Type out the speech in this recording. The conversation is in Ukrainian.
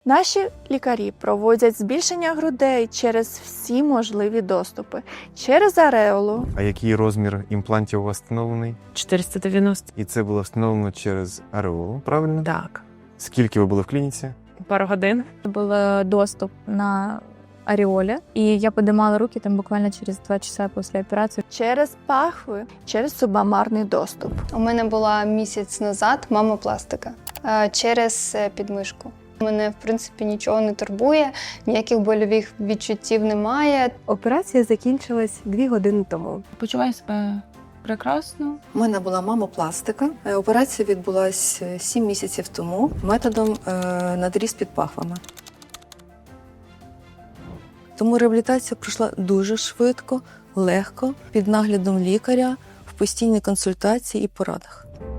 Наші лікарі проводять збільшення грудей через всі можливі доступи. Через ареолу, А який розмір імплантів у вас встановлений? 490. І це було встановлено через ареолу, правильно? Так. Скільки ви були в клініці? Пару годин. Був доступ на ареолі, і я підіймала руки там буквально через 2 часа після операції. через пахви, через субамарний доступ. У мене була місяць назад мамопластика через підмишку. Мене, в принципі, нічого не турбує, ніяких больових відчуттів немає. Операція закінчилась 2 години тому. Почуваю себе прекрасно. У мене була мамопластика. Операція відбулася 7 місяців тому методом надріз під пахвами. Тому реабілітація пройшла дуже швидко, легко, під наглядом лікаря, в постійній консультації і порадах.